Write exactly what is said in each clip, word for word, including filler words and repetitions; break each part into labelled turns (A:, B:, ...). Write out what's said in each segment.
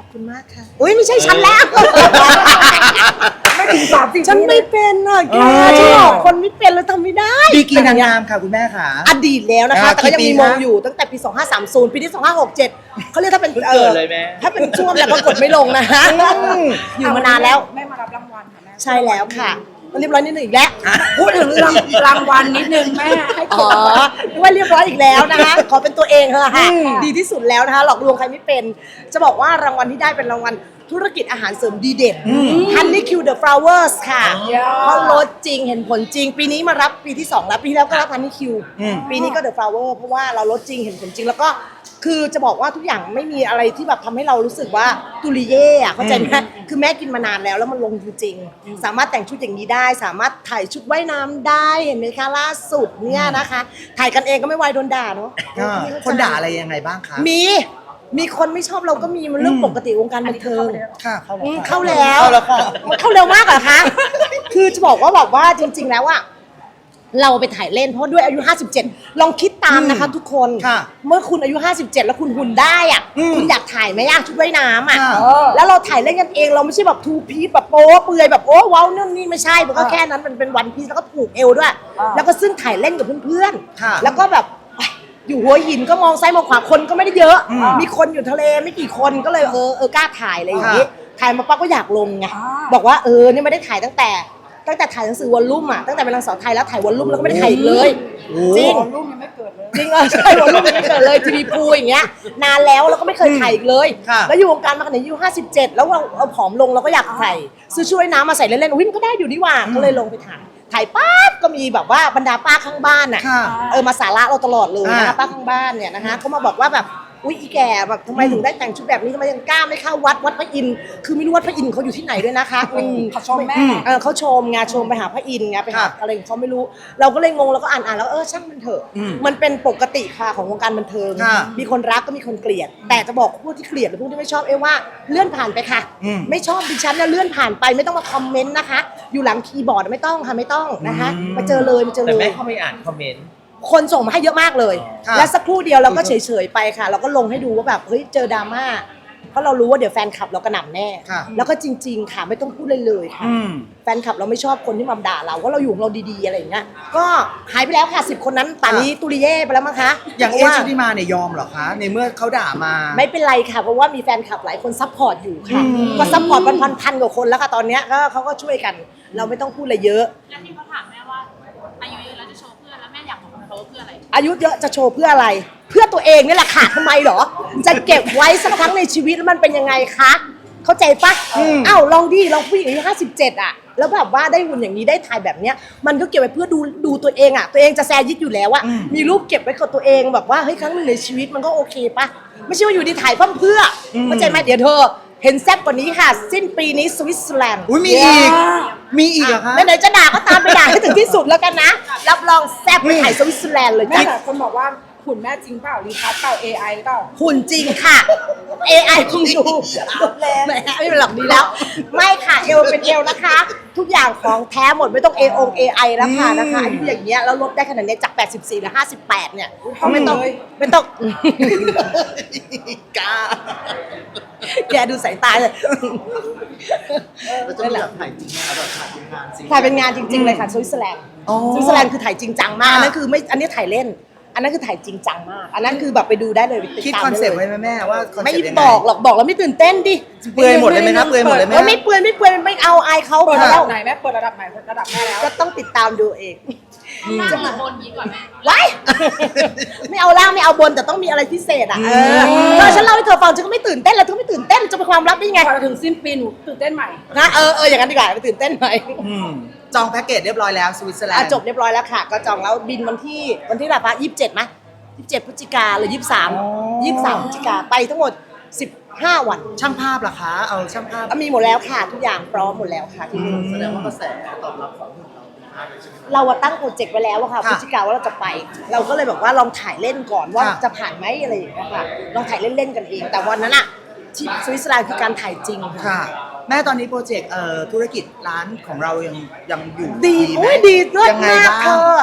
A: คุณมากค่ะอุ้ยไม่ใช่ฉันแล้ว
B: ไม่ถึงสามสิบ
A: ฉันไม่เป็นอ่ะแกฉันหลอกคนไม่เป็นแล้วทำไม่ได้
C: ดีกีนางงามค่ะคุณแม่ค่ะ
A: อดีตแล้วนะคะแต่ก็ยังมีมงอยู่ตั้งแต่ปีสองห้าสามศูนย์ปีที่สองห้าหกเจ็ดเขาเรียกถ้าเป็นเออถ้าเป็นช่วงแล้วก็กดไม่ลงนะฮะอยู่มานานแล้ว
B: แม่มารับรางวัลค่ะแม่
A: ใช่แล้วค่ะเรียบร้อยนิดนึงอีกแล้ว
B: พูดถึงรางวัลนิดนึงแม่ให้
A: อ๋อว่าเรียบร้อยอีกแล้วนะคะขอเป็นตัวเองเถอะค่ะดีที่สุดแล้วนะคะหลอกลวงใครไม่เป็นจะบอกว่ารางวัลที่ได้เป็นรางวัลธุรกิจอาหารเสริมดีเด่น Honey Q The Flowers ค่ะเพราะลดจริงเห็นผลจริงปีนี้มารับปีที่สองแล้วปีแล้วก็รับ Honey Q ปีนี้ก็ The Flower เพราะว่าเราลดจริงเห็นผลจริงแล้วก็คือจะบอกว่าทุกอย่างไม่มีอะไรที่แบบทำให้เรารู้สึกว่าตุลิเย่อะเข้าใจไหมคือแม่กินมานานแล้วแล้วมันลงจริงๆสามารถแต่งชุดอย่างนี้ได้สามารถถ่ายชุดว่ายน้ำได้เห็นไหมคะล่าสุดเนี่ยนะคะถ่ายกันเองก็ไม่ไวโดนด่าเนาะ
C: คนด่าอะไรยังไงบ้างคะ
A: มีมีคนไม่ชอบเราก็มีมันเรื่องปกติวงการบันเทิง
C: ค่ะ
A: เข้าแล้ว
C: เข้าแล้วค่ะ
A: มันเข้าเร็วมากเหรอคะคือจะบอกว่าแบบว่าจริงๆแล้วอะเราไปถ่ายเล่นเพราะด้วยอายุห้าสิบเจ็ดลองคิดตามนะคะทุกคนเมื่อคุณอายุห้าสิบเจ็ดแล้วคุณหุ่นได้อ่ะคุณอยากถ่ายไหมอ่ะชุดว่ายน้ำอ่ะแล้วเราถ่ายเล่นกันเองเราไม่ใช่แบบทูพีซแบบโป๊เปลือยแบบโอ้ว้าวนั่นนี่ไม่ใช่มันก็แค่นั้นมันเป็นวันพีซแล้วก็ผูกเอวด้วยแล้วก็ซึ่งถ่ายเล่นกับเพื่อนๆแล้วก็แบบอยู่หัวหินก็มองซ้ายมองขวาคนก็ไม่ได้เยอะมีคนอยู่ทะเลไม่กี่คนก็เลยเออเออกล้าถ่ายอะไรอย่างนี้ถ่ายมาปั๊บก็อยากลงไงบอกว่าเออนี่ไม่ได้ถ่ายตั้งแต่ตั้งแต่ถ่ายหนังสือวอลลุ่มอ่ะตั้งแต่เป็นนางสาวไทยแล้วถ่ายวอลลุ่มแล้วก็ไม่ได้ถ่ายอีกเลยจริง
B: วอลลุ่มยังไม่เกิดเลย
A: จริงเออใช่วอลลุ่มยังไม่เกิดเลยทีวีพูอย่างเงี้ยนานแล้วแล้วก็ไม่เคยถ่ายอีกเลยแล้วอยู่วงการมาขนาดอายุห้าสิบเจ็ดแล้วเราเอาผอมลงเราก็อยากใส่ซื้อช่วยน้ำมาใส่เล่นๆวิ่งก็ได้อยู่นี่หว่าก็เลยลงไปถ่ายถ่ายปั๊บก็มีแบบว่าบรรดาป้าข้างบ้านอ่ะเออมาสาระเราตลอดเลยนะคะป้าข้างบ้านเนี่ยนะคะเขามาบอกว่าแบบอุ้ยอีแก่แบบทำไมถึงได้แต่งชุดแบบนี้ทำไมยังกล้าไม่เข้าวัดวัดพระอินทร์คือไม่รู้วัดพระอินทร์เขาอยู่ที่ไหนด้วยนะคะ
B: เขาชมแม่
A: เออเขาชมงานชมไปหาพระอินทร์ไงไปหาอะไรของเขาไม่รู้เราก็เลยงงเราก็อ่านอ่านแล้วเออช่างมันเถอะมันเป็นปกติค่ะของวงการบันเทิงมีคนรักก็มีคนเกลียดแต่จะบอกผู้ที่เกลียดหรือผู้ที่ไม่ชอบเอว่าเลื่อนผ่านไปค่ะไม่ชอบดิฉันนะเลื่อนผ่านไปไม่ต้องมาคอมเมนต์นะคะอยู่หลังคีย์บอร์ดไม่ต้องค่ะไม่ต้องนะคะมาเจอเลยมาเจอเลย
D: แต่ไม่เข้าไปอ่านคอมเมนต์
A: คนส่งมาให้เยอะมากเลยและสักครู่เดียวเราก็เฉยๆไปค่ะเราก็ลงให้ดูว่าแบบเฮ้ยเจอดราม่าเพราะเรารู้ว่าเดี๋ยวแฟนคลับเรากระหน่ำแน่แล้วก็จริงๆค่ะไม่ต้องพูดเลยเลยค่ะแฟนคลับเราไม่ชอบคนที่มาด่าเราว่าเราอยู่ของเราดีๆอะไรอย่างเงี้ยก็หายไปแล้วค่ะสิบคนนั้นป่านนี้ตุลิเย่ไปแล้วมั้งคะ
C: อย่างเอชุติมาเนี่ยยอมเหรอคะในเมื่อเขาด่ามา
A: ไม่เป็นไรค่ะเพราะว่ามีแฟนคลับหลายคนซัพพอร์ตอยู่ค่ะก็ซัพพอร์ตพันพันกว่าคนแล้วค่ะตอนเนี้ยก็เขาก็ช่วยกันเราไม่ต้องพูดอะไรเยอะ
E: แล้วที่เขาถามแม่ว่าอายุเยอะแล้วจะโชว์เพื่อนแล้วแม่อยากบอกเขาเพื่ออะไร
A: อายุเยอะจะโชว์เพื่ออะไรเพื่อตัวเองนี่แหละค่ะทำไมเหรอจะเก็บไว้สักครั้งในชีวิตแล้วมันเป็นยังไงคะเข้าใจปะอ้าวลองดิลองผู้หญิงอายุห้าสิบเจ็ดอ่ะแล้วแบบว่าได้หุ่นอย่างนี้ได้ถ่ายแบบเนี้ยมันก็เก็บไว้เพื่อดูดูตัวเองอ่ะตัวเองจะแซยิดอยู่แล้วอ่ะมีรูปเก็บไว้กับตัวเองแบบว่าเฮ้ยครั้งหนึ่งในชีวิตมันก็โอเคปะไม่ใช่ว่าอยู่ดีถ่ายเพิ่มเพื่อเข้าใจไหมเดี๋ยวเธอเห็นแซ่บกว่านี้ค่ะสิ้นปีนี้สวิตเซอร์แลนด์
C: อุ้ยมีอีกมีอีกเหรอคะ
A: ไหนๆจะด่าก็ตามไปด่าให้ถึงที่สุดแล้วกันนะรับรองแซ่บไปถ่ายสวิตเซอร์แลนด์เลย
B: แม่แต่คนบอกว่าหุ่นแม่จริงเปล่ารีทัชเปล่า เอ ไอ เปล่า
A: หุ่นจริงค่ะ เอ ไอ คงดูแล้วไม่เป็นหลักดีแล้วไม่ค่ะเอวเป็นเอวนะคะทุกอย่างของแท้หมดไม่ต้อง เอ อง เอ ไอ แล้วค่ะนะคะอายุอย่างเงี้ยแล้วลดได้ขนาดนี้จากแปดสิบสี่เหลือห้าสิบแปดเนี่ยไม่ต้องไม่ต้อง
C: กล้า
A: แกดูสายตาเลย
C: เราจะแบบถ่ายจริงนะแบบถ่ายเป็นงานจริง
A: ถ่ายเป็นงานจริงๆเลยค่ะสวิตเซอร์แลนด์สวิตเซอร์แลนด์คือถ่ายจริงจังมากนั่นคือไม่อันนี้ถ่ายเล่นอันนั้นคือถ่ายจริงจังมากอันนั้นคือแบบไปดูได้เลย
C: คิดคอนเซ็ปต์ไว้ไหมแม่ว่า
A: ไม่บอกหรอกบอกแล้วไม่ตื่นเต้นดิ
C: เปื่อยหมดเลยไหมนะเปื่อยหมดเลยไหม
A: ไม่เปื่อยไม่เปื่อยไม่เอาอายเขา
B: เปิดระดับไหนแม่เปิดระดับไหนระดับแม่แล้ว
A: ก็ต้องติดตามดูเอง
E: จะมาบนนี้ก่อนแม่
A: ไว้ไม่เอาล่างไม่เอาบนแต่ต้องมีอะไรพิเศษอ่ะเออตอนฉันเล่าให้เธอฟังฉันก็ไม่ตื่นเต้นแล้วเธอไม่ตื่นเต้นจะเป็นความลับได้ไง
B: พอถึงสิ้นปีหนูตื่นเต้นใหม่
A: นะเออเอออย่างนั้นดีกว่าไปตื่นเต้นใหม่
C: จองแพ็กเกจเรียบร้อยแล้วสวิตเซอร์แลนด์
A: จบเรียบร้อยแล้วค่ะก็จองแล้วบินวันที่วันที่แบบว่ายี่สิบเจ็ดมั้ยยี่สิบเจ็ดพฤศจิกาหรือยี่สิบสามยี่สิบสามพฤศจิกาไปทั้งหมดสิบห้าวัน
C: ช่างภาพล่ะคะเอาช่างภาพ
A: มีหมดแล้วค่ะทุกอย่างพร้อมหมดแล้วค่ะที่นี่
C: แสดงว่ากระแสตอบรับของเราดีมากเลยใช่ไหม
A: เราตั้งโปรเจกต์ไว้แล้วค่ะพฤศจิกาว่าเราจะไปเราก็เลยแบบว่าลองถ่ายเล่นก่อนว่าจะผ่านไหมอะไรอย่างเงี้ยค่ะลองถ่ายเล่นๆกันเองแต่วันนั้นอะที่สวิตเซอร์แลนด์คือการถ่ายจริง
C: ค่ะแม่ตอนนี้โปรเจกต์เอ่อธุรกิจร้านของเรายังยังอยู่
A: ดีโอ้ยดีเลิศมากเธอ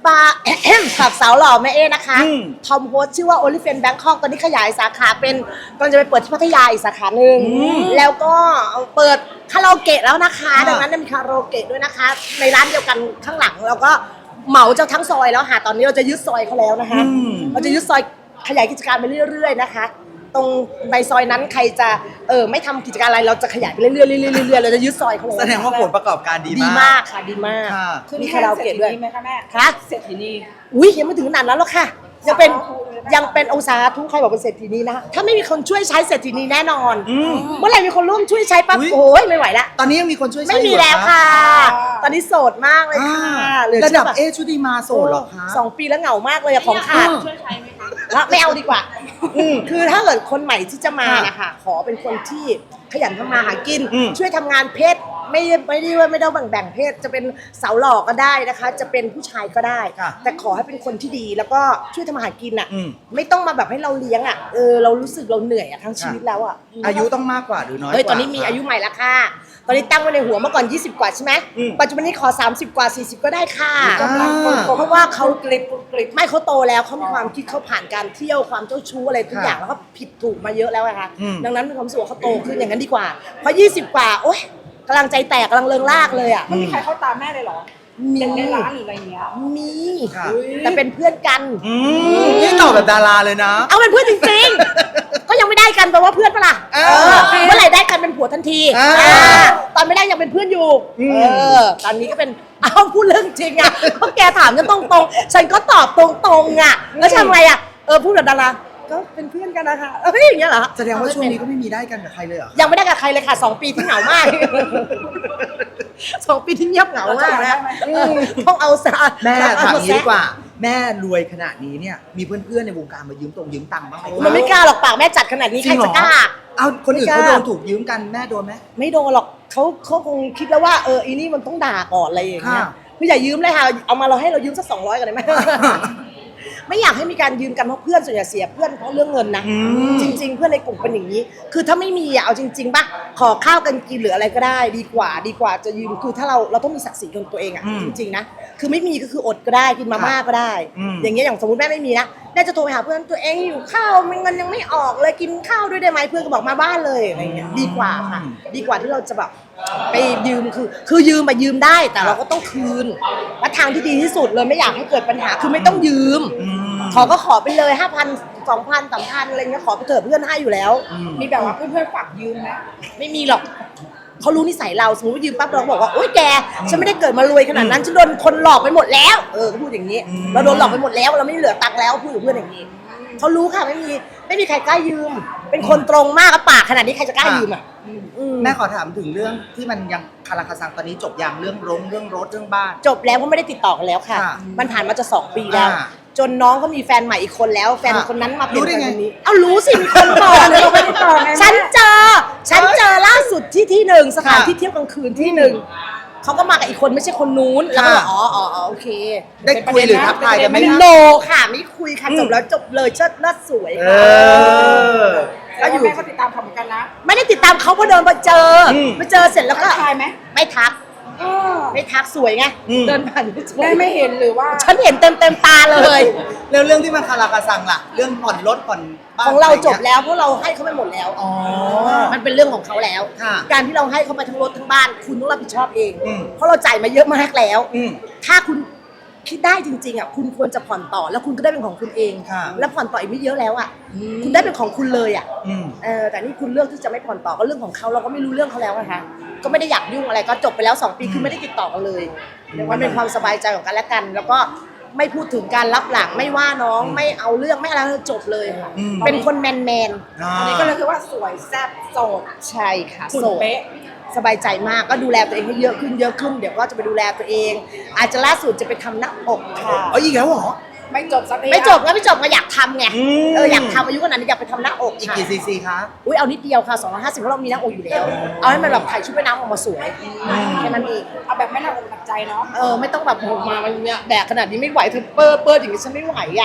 A: ปา กับสาวหล่อแม่เอนะคะ
D: อืม
A: ทอมโฮสชื่อว่า OnlyFans Bangkok ตอนนี้ขยายสาขาเป็นกำลังจะไปเปิดที่พัทยาอีกสาขาหนึ่งแล้วก็เปิดคาราโอเกะแล้วนะคะ ดังนั้นมีคาราโอเกะด้วยนะคะ ในร้านเดียวกันข้างหลังแล้วก็เหมาเจ้าทั้งซอยแล้วค่ะตอนนี้เราจะยึดซอยเขาแล้วนะคะ
D: อืม
A: เราจะยึดซอยขยายกิจการไปเรื่อยๆนะคะ ตรงในซอยนั้นใครจะเออไม่ทำกิจการอะไรเราจะขยายไปเรื่อยๆเรื่อยๆเรื่อยๆเราจะยึดซอยเขาเลย
D: แสดงว่าผลประกอบการดี
A: ดี
D: มาก
A: มากค่ะดีมาก
D: ค่ะ
B: ขึ้น
A: มี
B: แค่
A: คาราโอ
B: เศรษ
A: เกะด้วย
B: ฐีนีไหมคะแม่
A: คะ
B: เศรษฐีนี
A: อุ้ยยังไม่ถึงขนาดนั้นหรอกค่ะ ยังเป็นยังเป็นองศาทุกใครบอกเป็นเศรษฐีนีนะคะถ้าไม่มีคนช่วยใช้เศรษฐีนีแน่นอน
D: อืม
A: เมื่อไหร่มีคนร่วมช่วยใช้ปั๊บ
D: อุ๊ย
A: โอ้ยไม่ไหวละ
D: ตอนนี้ยังมีคนช่วยใช้
A: ไม่มี
D: อยู่เหรอ
A: แล้วค่ะ ตอนนี้โสดมากเลย
D: อ่า
A: ค่ะเหลือ
D: ระ
A: เชื่
D: ดั
A: อบ ปะ
D: เอชุติมาโสดเหรอคะ
A: สองปีแล้วเหงามากเลยอะของขาด
E: ช่วยใช้ไหมคะ
A: ว่าไม่เอาดีกว่า คือถ้าเกิดคนใหม่ที่จะมา
D: ค่ะ
A: นะคะขอเป็นคนที่ขยันทำมาหากิน
D: อืม
A: ช่วยทำงานเพศไม่ไม่ได้ว่าไม่ต้องแบ่งแบ่งเพศ จะเป็นสาวหล่อก็ได้นะคะ จะเป็นผู้ชายก็ได้
D: ค่ะ
A: แต่ขอให้เป็นคนที่ดีแล้วก็ช่วยทำมาหากินอ่ะ
D: อืม
A: ไม่ต้องมาแบบให้เราเลี้ยงอ่ะเออเรารู้สึกเราเหนื่อยอ่ะทั้งชีวิตแล้วอ่ะ
D: อายุต้องมากกว่าหรือน้อยกว่า
A: เฮ้ยตอนนี้มีอายุใหม่แล้วค่ะ ตอนนี้ตั้งไว้ในหัวเมื่อก่อนยี่สิบกว่าใช่ไหม
D: อืม
A: ปัจจุบันนี้ขอสามสิบกว่าสี่สิบก็ได้ค่ะ
D: อ่า
A: เพราะว่าเขากลิบกลิบไม่เขาโตแล้วเขามีความคิดเขาผ่านการเที่ยวความเจ้าชู้อะไรทุกอย่างแล้วก็ผิดถูกมาเยอะแล้วอะค่ะ
D: อืม
A: ดังนั้นมีความรู้สึกว่าเขาโตขึ้นอย่างนั้นดีกว่าเพราะยี่สิบกว่าโอ๊ยกำลังใจแตกกำลังเริงลากเลยอะ
B: ไม่มีใครเข้าตามแม่เลยเหรอ
A: มี
B: อย่างในร้านหรืออะไรเงี้ย
A: มี
D: ค่ะ
A: แต่เป็นเพื่อนกัน
D: อืมนี่ตอบแบบดาราเลยนะ
A: เอาเป็นเพื่อนจริงๆ ก็ยังไม่ได้กันแปลว่าเพื่อนปะล่ะ
D: เอ
A: เอ
D: อ
A: อเมื่อไหร่ได้กันเป็นผัวทันที
D: อ่า
A: อ่าตอนไม่ได้ยังเป็นเพื่อนอยู่
D: อืม
A: เออตอนนี้ก็เป็นเอาพูดเรื่องจริงอ่ะเพราะแกถามฉันตรงๆฉันก็ตอบตรงๆอ่ะแล้วทำไงอ่ะเออพูดแบบดาราก็เป็นเพื่อนกันนะคะเอ้ยอย่างเงี้ยเหรอ
D: แสดงว่าช่วงนี้ก็ไม่มีได้กันกับใครเลยเหรอคะ
A: ยังไม่ได้กับใครเลยค่ะสองปีที่เหงามาก สองปีที่เงียบเหงามากนะอืมต้องเอาซะ
D: แม่
A: เอ
D: ถามอย่างนี้
A: แซะ
D: ดีกว่า แม่รวยขนาดนี้เนี่ยมีเพื่อนๆในวงการมายืมตรงยืมตังค์บ้างไหม
A: มันไม่กล้าหรอกปากแม่จัดขนาดนี้
D: จ
A: ใค
D: ริ
A: รง
D: เหร
A: จะ
D: อก
A: ล้า
D: เอาคนอื่น
A: ไม่
D: เขา
A: กล้า
D: โดนถูกยืมกันแม่โดนไหม
A: ไม่โดนหรอกเขาเขาคงคิดแล้วว่าเอออีนี่มันต้องด่าก่อนอะไรอย่างเงี้ย
D: ค่ะ
A: คืออย่ายืมเลยค่ะเอามาเราให้เรายืมสักสองร้อยกันได้ไหม ไม่อยากให้มีการยืมกันเพราะเพื่อนส่วนใหญ่เสียเพื่อนเพราะเรื่องเงินนะ
D: อืม
A: จริง ๆ เพื่อนในกลุ่มเป็นอย่างนี้ คือถ้าไม่มีอะเอาจริงๆป่ะขอข้าวกันกินหรืออะไรก็ได้ ดีกว่าดีกว่าจะยืมคือถ้าเราเราต้องมีศักดิ์ศรีของตัวเองอะ
D: อืม
A: จริงๆนะคือไม่มีก็คืออดก็ได้กินมาม่าก็ได้
D: อืม
A: อย่างเงี้ยอย่างสมมติแม่ไม่มีนะแม่จะโทรไปหาเพื่อนตัวเองอยู่ข้าวเงินยังไม่ออกเลยกินข้าวด้วยได้ไหมเพื่อนก็บอกมาบ้านเลยอะไรเงี้ยดีกว่าค่ะ ดีกว่าที่เราจะแบบไปยืมคือ คือยืมมายืมได้แต่เราก็ต้องคืนและทางที่ดีที่สุดเลยไม่อยากให้เกิดปัญหาคือไม่ต้องยืม
D: อืม
A: ขอก็ขอไปเลยห้าพันสองพันสามพันอะไรเงี้ยขอไปเถอะเพื่อนให้อยู่แล้ว
B: มีแบบว่าเพื่อนๆฝากยืมนะ
A: ไม่มีหรอกเขารู้นิสัยเราสมมติว่ายืมปั๊บเราก็บอกว่าโอ๊ยแกฉันไม่ได้เกิดมารวยขนาดนั้นฉันโดนคนหลอกไปหมดแล้วเออเขาพูดอย่างนี้
D: อืม
A: เราโดนหลอกไปหมดแล้วเราไม่เหลือตังค์แล้วพูดกับเพื่อนอย่างนี้เขารู้ค่ะไม่มีไม่มีใครกล้ายืม เป็นคนตรงมากอะปากขนาดนี้ใครจะกล้ายืมอ่ะอืม
D: แม่ขอถามถึงเรื่องที่มันยังคาราคาซังตอนนี้จบอย่างเรื่องรงเรื่องรถเรื่องบ้าน
A: จบแล้วก็ไม่ได้ติดต่อกันแล้วค่ะ
D: ค่ะ
A: มันผ่านมาจะสองปีแล้ว
D: อ่า
A: จนน้องก็มีแฟนใหม่อีกคนแล้ว แฟน
D: ค่ะ
A: คนนั้นมาเป็น
D: รู้ได้
A: แฟน
D: ไง
A: คนนี้ เอ้ารู้สิมีคนบอก
B: เราไม่ได้ต่อไงแม่
A: ฉันเจอ ฉันเจอล่าสุดที่ที่หนึ่งสถาน
D: ค่ะ
A: ที่เที่ยวกลางคืนที่หนึ่งเขาก็มากับอีกคนไม่ใช่คนนู้นแล้วก็
D: ค่ะ
A: อ๋ออ๋ออ๋อโอเค
D: ได้คุยหรือทักทายกันไหม
A: ไม่
D: คะ
A: โนค่ะไม่คุยค่ะจบแล้วจบเลยเชิดเลิศสวย
D: เอ
A: ค่ะ
D: อ
B: แล้วอยู่แม่ก็ติดตามเขาเหมือนกันนะ
A: ไม่ได้ติดตามเขาเพราะเดินมาเจออ
D: ม
A: มาเจอเสร็จแล้วก็
B: ทักทายไหม
A: ไม่ทัก
B: เออ
A: ไม่ทักสวยไง
D: อืม
A: เดินผ่านไม่สวย
B: แม่ไม่เห็นหรือว่า
A: ฉันเห็นเต็มเต็มๆตาเลย
D: แล้วเรื่องที่มันคาราคาซังล่ะ เรื่องผ่อนรถผ่อนบ้าน
A: ของเรา
D: ะไงี้ย
A: จบแล้วเพราะเราให้เขาไปหมดแล้ว
D: อ๋อ
A: มันเป็นเรื่องของเขาแล้ว
D: ค่ะ
A: การที่เราให้เขาไปทั้งรถทั้งบ้าน คุณต้องรับผิดชอบเอง
D: อืม
A: เพราะเราจ่ายมาเยอะมากแล้ว
D: อืม
A: ถ้าคุณคิดได้จริงๆอ่ะคุณควรจะผ่อนต่อแล้วคุณก็ได้เป็นของคุณเอง
D: ค่ะ
A: แล้วผ่อนต่ออีกไม่เยอะแล้วอ่ะคุณได้เป็นของคุณเลยอ่ะ
D: อืม
A: เออแต่นี่คุณเลือกที่จะไม่ผ่อนต่อก็เรื่องของเขาเราก็ไม่รู้เรื่องเขาแล้วนะคะก็ไม่ได้อยากยุ่งอะไรก็จบไปแล้วสองปีคือไม่ได้ติดต่อกันเลยมันเป็นความสบายใจของกันและกัน แล้วก็ไม่พูดถึงการรับหลังไม่ว่าน้องไม่เอาเรื่องไม่อะไรจบเลยค่ะ
D: อืม
A: เป็นคนแมนแมน
D: อ่า
B: อันนี้ก็เลยคือว่าสวยแซ่บโสด
A: ๆใช่ค่ะ
B: หุ่น
A: โสด
B: เป๊ะ
A: สบายใจมากก็ดูแลตัวเองให้เยอะขึ้นเยอะขึ้นเดี๋ยวก็จะไปดูแลตัวเอง อาจจะล่าสุดจะไปทำหน้าอกค่ะ
D: เอาอีกแล้วเหรอ
B: ไม่จบสักที
A: ไม่จบก็ไม่จบก็อยากทำไง
D: อืม
A: เอออยากทำอายุขนาดนี้อยากไปทำหน้าอก
D: อีก
A: ค่ะ
D: กี่ซีซีคะ
A: อุ้ยเอานิดเดียวค่ะสองร้อยห้าสิบเพราะเรามีหน้าอกอยู่แล้ว เอาให้มันแบบถ่ายชุดว่ายน้ำออกมาสวยแค่นั้นเอง
B: เอาแบบไม่หนักอกหนักใจเนาะ
A: เออไม่ต้องแบบโหมามันเนี่ยแบกขนาดนี้ไม่ไหวเธอเปิ้ลเปิ้ลอย่างนี้ฉันไม่ไหวอ่ะ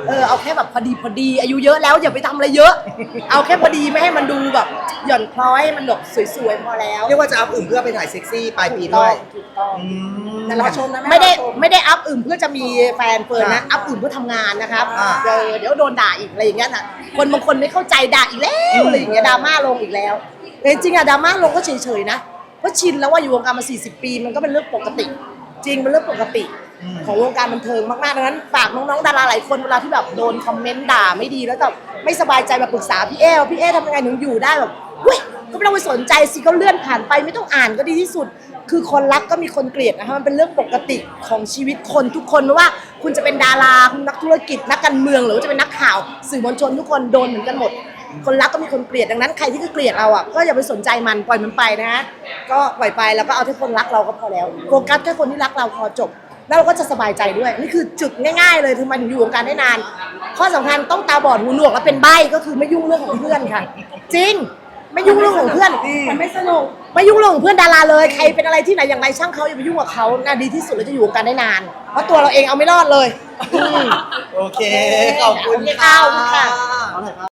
A: เออเอาแค่แบบพอดีพอดีอายุเยอะแล้วอย่าไปทำอะไรเยอะ เอาแค่พอดีไม่ให้มันดูแบบหย่อนคล้อยให้มันแบบสวยๆพอแล้ว
D: เรียกว่าจะอัพอื่นเพื่อไปถ่ายเซ็กซี่ปลายปีด้วย
A: ถูกต้อง
D: อืม
A: แต่รอชมนะไม่ได้ไม่ได้อัพอื่นเพื่อจะมีแฟนเฟิร์นนะอัพอื่นเพื่อทำงานนะครับ
D: อ่า
A: เดี๋ยวเดี๋ยวโดนด่าอีกอะไรอย่างเงี้ยนะคนบางคนไม่เข้าใจด่าอีกแล้วอะไรอย่างเงี้ยดราม่าลงอีกแล้วแต่จริงๆอะดราม่าลงก็เฉยๆนะเพราะชินแล้วว่าอยู่วงการมาสี่สิบปีมันก็เป็นเรื่องปกติ จริงเป็นเรื่องปกติของวงการบันเทิงมากๆดังนั้นฝากน้องๆดาราหลายคนเวลาที่แบบโดนคอมเมนต์ด่าไม่ดีแล้วแบบไม่สบายใจมาปรึกษาพี่เอว่าพี่เอทำยังไงถึงอยู่ได้แบบเว้ยก็ไม่ต้องไปสนใจสิก็เลื่อนผ่านไปไม่ต้องอ่านก็ดีที่สุด คือคนรักก็มีคนเกลียดนะคะมันเป็นเรื่องปกติของชีวิตคนทุกคนไม่ว่าคุณจะเป็นดาราคุณนักธุรกิจนักการเมืองหรือว่าจะเป็นนักข่าวสื่อมวลชนทุกคนโดนเหมือนกันหมด คนรักก็มีคนเกลียดดังนั้นใครที่เกลียดเราอ่ะก็อย่าไปสนใจมันปล่อยมันไปนะฮะก็ปล่อยไปแล้วก็เอาที่คนรักเราก็พอแล้วโฟกัสแค่คนที่รักเราพอจบ แล้วเราก็จะสบายใจด้วยนี่คือจุดง่ายๆเลยทำไมถึงอยู่วงการได้นาน ข้อสำคัญต้องตาบอดหูหนวกและเป็นใบ้ก็คือไม่ยุ่งเรื่องของเพื่อนค่ะ จริงไม่ยุ่งเรื่องของเพื่อนมันไม่สนุกไม่ยุ่งเรื่องของเพื่อนดาราเลยใครเป็นอะไรที่ไหนอย่างไรช่างเขาอย่าไปยุ่งกับเขาน่าดีที่สุดแล้วจะอยู่วงการได้นาน เพราะตัวเราเองเอาไม่รอดเลยอืม
D: โอเค ขอบคุณ
A: โอเคค่ะขอบคุณค่ะ
C: เอาหน่อยครับ